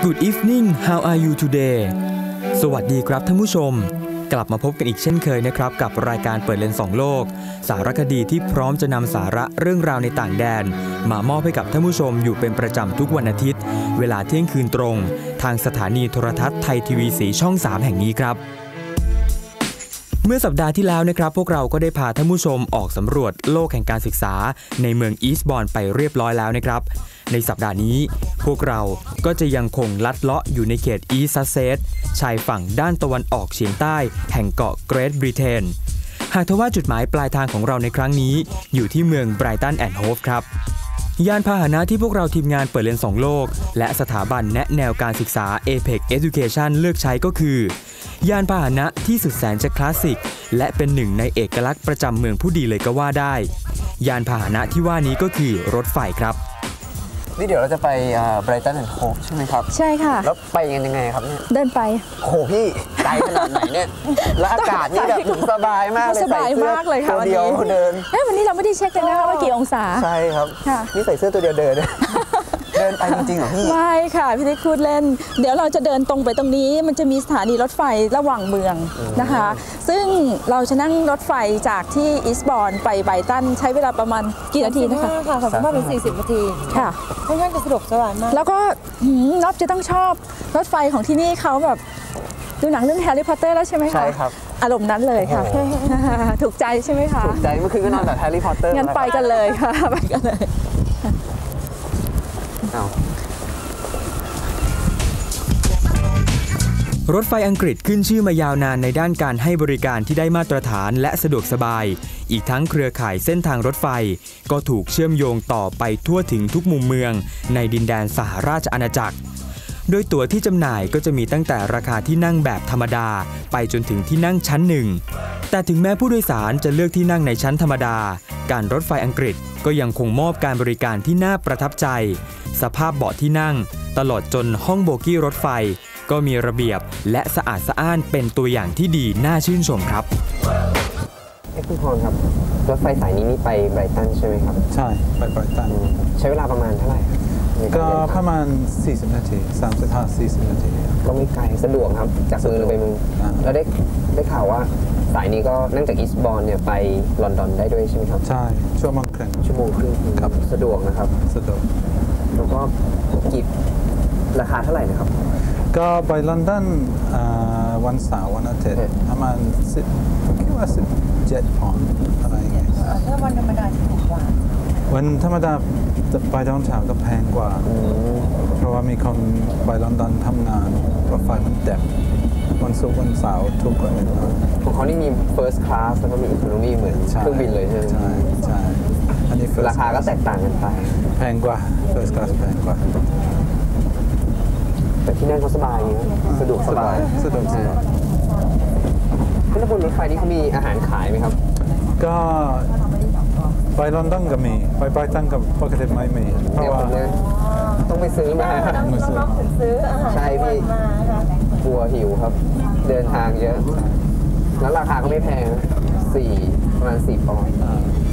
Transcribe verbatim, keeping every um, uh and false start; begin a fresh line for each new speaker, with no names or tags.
Good evening how are you today สวัสดีครับท่านผู้ชมกลับมาพบกันอีกเช่นเคยนะครับกับรายการเปิดเลนส์สองโลกสารคดีที่พร้อมจะนำสาระเรื่องราวในต่างแดนมามอบให้กับท่านผู้ชมอยู่เป็นประจำทุกวันอาทิตย์เวลาเที่ยงคืนตรงทางสถานีโทรทัศน์ไทยทีวีสีช่องสามแห่งนี้ครับเมื่อสัปดาห์ที่แล้วนะครับพวกเราก็ได้พาท่านผู้ชมออกสำรวจโลกแห่งการศึกษาในเมืองอีสต์บอร์นไปเรียบร้อยแล้วนะครับในสัปดาห์นี้พวกเราก็จะยังคงลัดเลาะอยู่ในเขตอีสต์ซัสเซกซ์ชายฝั่งด้านตะวันออกเฉียงใต้แห่งเกาะเกรทบริเตนหากทว่าจุดหมายปลายทางของเราในครั้งนี้อยู่ที่เมืองไบรตันแอนด์โฮฟครับยานพาหนะที่พวกเราทีมงานเปิดเลนส์สองโลกและสถาบันแนะแนวการศึกษา เอ พี อี ซี Education เลือกใช้ก็คือยานพาหนะที่สุดแสนจะคลาสสิกและเป็นหนึ่งในเอกลักษณ์ประจำเมืองผู้ดีเลยก็ว่าได้ยานพาหนะที่ว่านี้ก็คือรถไฟครับ
นี่เดี๋ยวเราจะไปไบรตันแอนด์โฮฟใช่ไหมครับ
ใช่ค่ะ
แล้วไปกันยังไงครับเนี่ย
เดินไป
โอ้โหพี่ไกลขนาดไหนเนี่ยแล้วอากาศนี่แบบสบายมากเลย
สบายมากเลยค่ะ
ตัวเดียวเดิน
เอ้วันนี้เราไม่ได้เช็คเลยนะคะว่ากี่องศา
ใช่ครับนี่ใส่เสื้อตัวเดียวเดินเดินไปจริงๆเหรอพี่
ไม่ค่ะพี่ได้พูดเล่นเดี๋ยวเราจะเดินตรงไปตรงนี้มันจะมีสถานีรถไฟระหว่างเมืองนะคะซึ่งเราจะนั่งรถไฟจากที่อีสต์บอร์นไปไบรตันใช้เวลาประมาณกี่นาทีนะคะ
ค่ะสามารถเป็นสี่สิบนาที
ค่ะ
ค่อนข้างจะสะดวกสบายมาก
แล้วก็น็อบจะต้องชอบรถไฟของที่นี่เขาแบบดูหนังเรื่องแฮร์รี่พอตเตอร์แล้วใช่ไหมคะ
ใช่ครับ
อารมณ์นั้นเลยค่ะถูกใจใช่ไหมคะ
ถูกใจเมื่อคืนก็นอนแบบแฮร์รี่พอตเตอร์
งั้นไปกันเลยค่ะไปกันเลย
รถไฟอังกฤษขึ้นชื่อมายาวนานในด้านการให้บริการที่ได้มาตรฐานและสะดวกสบายอีกทั้งเครือข่ายเส้นทางรถไฟก็ถูกเชื่อมโยงต่อไปทั่วถึงทุกมุมเมืองในดินแดนสหราชอาณาจักรโดยตั๋วที่จำหน่ายก็จะมีตั้งแต่ราคาที่นั่งแบบธรรมดาไปจนถึงที่นั่งชั้นหนึ่งแต่ถึงแม้ผู้โดยสารจะเลือกที่นั่งในชั้นธรรมดาการรถไฟอังกฤษก็ยังคงมอบการบริการที่น่าประทับใจสภาพเบาะที่นั่งตลอดจนห้องโบกี้รถไฟก็มีระเบียบและสะอาดสะอ้านเป็นตัวอย่างที่ดีน่าชื่นชมครับ
เอ้คุณพรครับรถไฟสายนี้นี่ไปไบรตันใช่ไหมครับ
ใช่ไปไบรตัน
ใช้เวลาประมาณเท่าไหร่
ก็ประมาณสี่สิบนาทีสามสิบห้า สี่สิบนาที
ก็ไม่ไกลสะดวกครับจากเมืองไปเมืองแล้วได้ได้ข่าวว่าสายนี้ก็นั่งจากอีสต์บอร์นเนี่ยไปลอนดอนได้ด้วยใช่ไหมครับ
ใช่ชั่วโมงครึ่ง
ชั่วโมงครึ่งครับสะดวกนะครับ
สะดวก
แล้วก็กี่ราคาเท่าไหร่นะครับ
ก็ไปลอนดอนวันเสาร์วันอาทิตย์ประมาณสิบคิดว่าสิบเจ็ดปอนด์อะไรอย่างเงี้ย
ถ้าวันธรรมดาถูกกว่า
วันธรรมดาไปตอนเช้าก็แพงกว่าเพราะว่ามีคนไปลอนดอนทำงานรถไฟมันเต็มวันศุกร์วันเสาร์ถูกกว่าเลย
ของเขานี่มี first class แล้วก็มี economy เหมือนเครื่องบินเลยใช่ไหม
ใช่ใช่
อันนี้ราคาก็แตกต่างกันไป
แพงกว่า first class แพงกว่า
แต่ที่นั่งเขาสบายสะดวกสบาย
สะดวกสบาย
แล้วบนรถไฟนี่เขามีอาหารขายไหมครับ
ก็ไปลอนดอนก็มีไปไบรตันก็ปกติไม่มีเพราะว่า
ต้องไปซื้อมา
ไม่ซื้อ
ซื้ออาหาร
ใช่พี่กลัวหิวครับเดินทางเยอะแล้วราคาก็ไม่แพงสี่ประมาณสี่ปอนด์